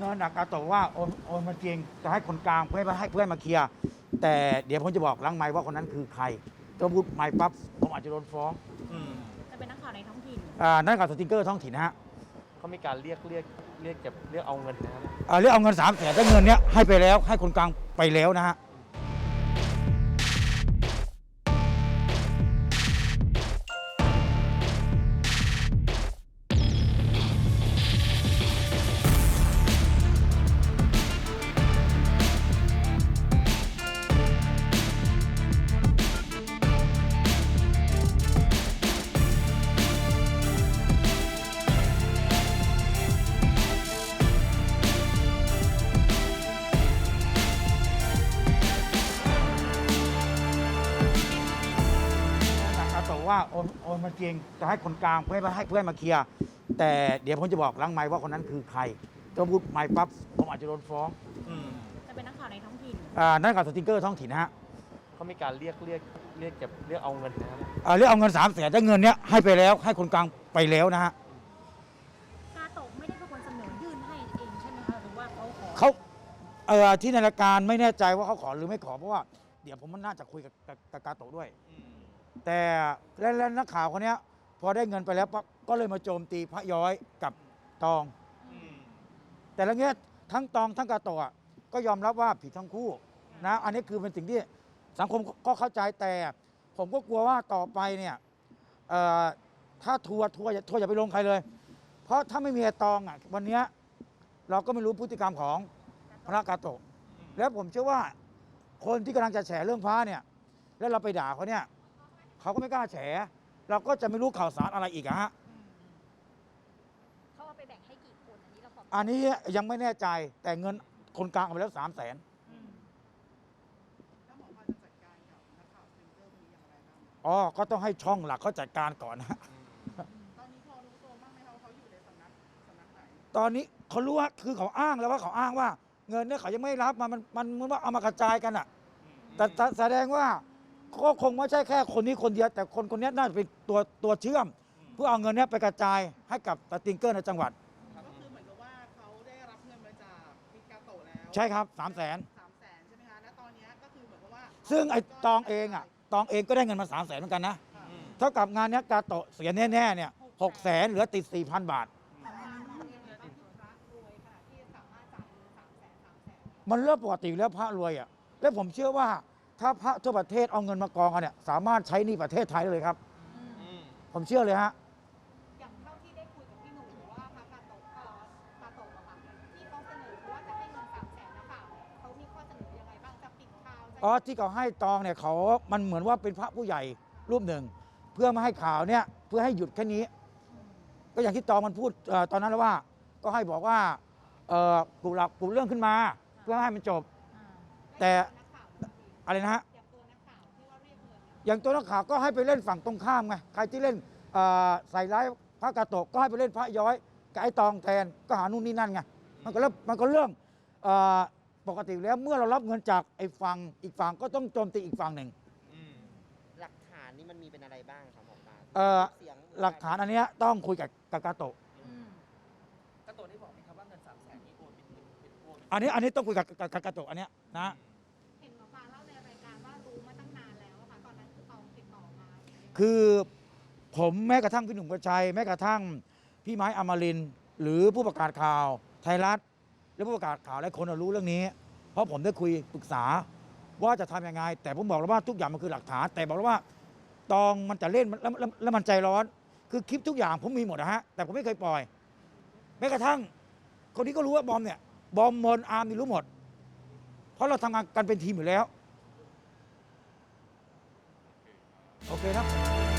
เงินกาโตะว่าโอนมาจริงจะให้คนกลางเพื่อให้เพื่อนมาเคลียร์แต่เดี๋ยวผมจะบอกหลังไมค์ว่าคนนั้นคือใครถ้าพูดไมค์ปั๊บผมอาจจะโดนฟ้องจะเป็นนักข่าวในท้องถิ่นนั่นข่าวสติ๊กเกอร์ท้องถิ่นนะฮะเขามีการเรียกเอาเงินนะครับเรียกเอาเงิน300,000แต่เงินเนี้ยให้ไปแล้วให้คนกลางไปแล้วนะฮะว่าโอนมาจริงจะให้คนกลางเพื่อให้เพื่อนมาเคลียร์แต่เดี๋ยวผมจะบอกหลังไมค์ว่าคนนั้นคือใครถ้าพูดไมค์ปั๊บผมอาจจะโดนฟ้องจะเป็นนักข่าวในท้องถิ่นนั่นข่าวสติ๊กเกอร์ท้องถิ่นนะฮะเขามีการเรียกเอาเงินนะครับเรียกเอาเงิน300,000แต่เงินเนี้ยให้ไปแล้วให้คนกลางไปแล้วนะฮะกาโตะไม่ได้เป็นคนเสนอยื่นให้เองใช่ไหมคะหรือว่าเขาที่ในรายการไม่แน่ใจว่าเขาขอหรือไม่ขอเพราะว่าเดี๋ยวผมมันน่าจะคุยกับกาโตะด้วยแต่และนักข่าวคนนี้พอได้เงินไปแล้วก็เลยมาโจมตีพระย้อยกับตองแต่ละเงี้ยทั้งตองทั้งกาโตะก็ยอมรับว่าผิดทั้งคู่นะอันนี้คือเป็นสิ่งที่สังคมก็เข้าใจแต่ผมก็กลัวว่าต่อไปเนี่ยถ้าทัวร์อย่าไปลงใครเลยเพราะถ้าไม่มีตองอ่ะวันนี้เราก็ไม่รู้พฤติกรรมของพระกาโตะแล้วผมเชื่อว่าคนที่กำลังจะแฉเรื่องพระเนี่ยแล้วเราไปด่าเขาเนี่ยเขาก็ไม่กล้าแฉเราก็จะไม่รู้ข่าวสารอะไรอีกอะฮะเขาเอาไปแบ่งให้กี่คนอันนี้ยังไม่แน่ใจแต่เงินคนกลางเอาไปแล้ว300,000ก็ต้องให้ช่องหลักเขาจัดการก่อนนะตอนนี้พอรู้ตัวบ้างไหมเขาอยู่ในสำนักไหนตอนนี้เขารู้ว่าคือเขาอ้างแล้วว่าเขาอ้างว่าเงินเนี่ยเขายังไม่รับมันเหมือนว่าเอามากระจายกันอะแต่แสดงว่าก็คงไม่ใช่แค่คนนี้คนเดียวแต่คนนี้น่าจะเป็นตัวเชื่อมเพื่อเอาเงินนี้ไปกระจายให้กับสติ๊กเกอร์ในจังหวัดก็คือเหมือนกับว่าเขาได้รับเงินมาจากพิกาโตะแล้วใช่ครับ300,000 ใช่ไหมคะและตอนนี้ก็คือเหมือนกับว่าซึ่งไอ้ตองเองก็ได้เงินมา300,000เหมือนกันนะเท่ากับงานนี้กาโตะเสียแน่ๆเนี่ย600,000เหลือติด 4,000 บาทมันเริ่มปกติแล้วพระรวยอ่ะและผมเชื่อว่าถ้าพระทั่วประเทศเอาเงินมากองกันเนี่ยสามารถใช้หนี้ประเทศไทยได้เลยครับผมเชื่อเลยฮะอย่างเท่าที่ได้คุยกับพี่หนุ่มหรือว่าพระกาโตะอะค่ะที่เขาเสนอว่าจะให้เงิน300,000นะคะเขามีข้อเสนอยังไงบ้างจะปิดข่าวที่เขาให้ตองเนี่ยมันเหมือนว่าเป็นพระผู้ใหญ่รูปหนึ่งเพื่อไม่ให้ข่าวเนี่ยเพื่อให้หยุดแค่นี้ก็อย่างที่ตองมันพูดตอนนั้นแล้วว่าก็ให้บอกว่าปลุกเรื่องขึ้นมาเพื่อให้มันจบแต่อะไรนะฮะอย่างตัวนักข่าวก็ให้ไปเล่นฝั่งตรงข้ามไงใครที่เล่นใส่ร้ายพระกาโตะก็ให้ไปเล่นพระย้อยกับไอ้ตองแทนก็หานู่นนี่นั่นไงมันก็เรื่องปกติแล้วเมื่อเรารับเงินจากไอ้ฝั่งอีกฝั่งก็ต้องโจมตีอีกฝั่งหนึ่งหลักฐานนี่มันมีเป็นอะไรบ้างครับหมอปลาหลักฐานอันนี้ต้องคุยกับกาโตะนี่บอกไหมครับว่าเงิน300,000นี่โอนเป็นโอนอันนี้ต้องคุยกับกาโตะอันนี้นะเห็นหมอปลาเล่าในรายการว่ารู้มาตั้งนานแล้วค่ะตอนนั้นคือตองติดต่อมาคือผมแม้กระทั่งพี่หนุ่มกระชัยแม้กระทั่งพี่ไม้อมรินทร์หรือผู้ประกาศข่าวไทยรัฐและผู้ประกาศข่าวหลายคนรู้เรื่องนี้เพราะผมได้คุยปรึกษาว่าจะทำยังไงแต่ผมบอกแล้วว่าทุกอย่างมันคือหลักฐานแต่บอกแล้วว่าตองมันจะเล่นแล้วมันใจร้อนคือคลิปทุกอย่างผมมีหมดนะฮะแต่ผมไม่เคยปล่อยแม้กระทั่งคนนี้ก็รู้ว่าบอมเนี่ยบอมมนอาร์มนี่รู้หมดเพราะเราทำงานกันเป็นทีมอยู่แล้วโอเคนะ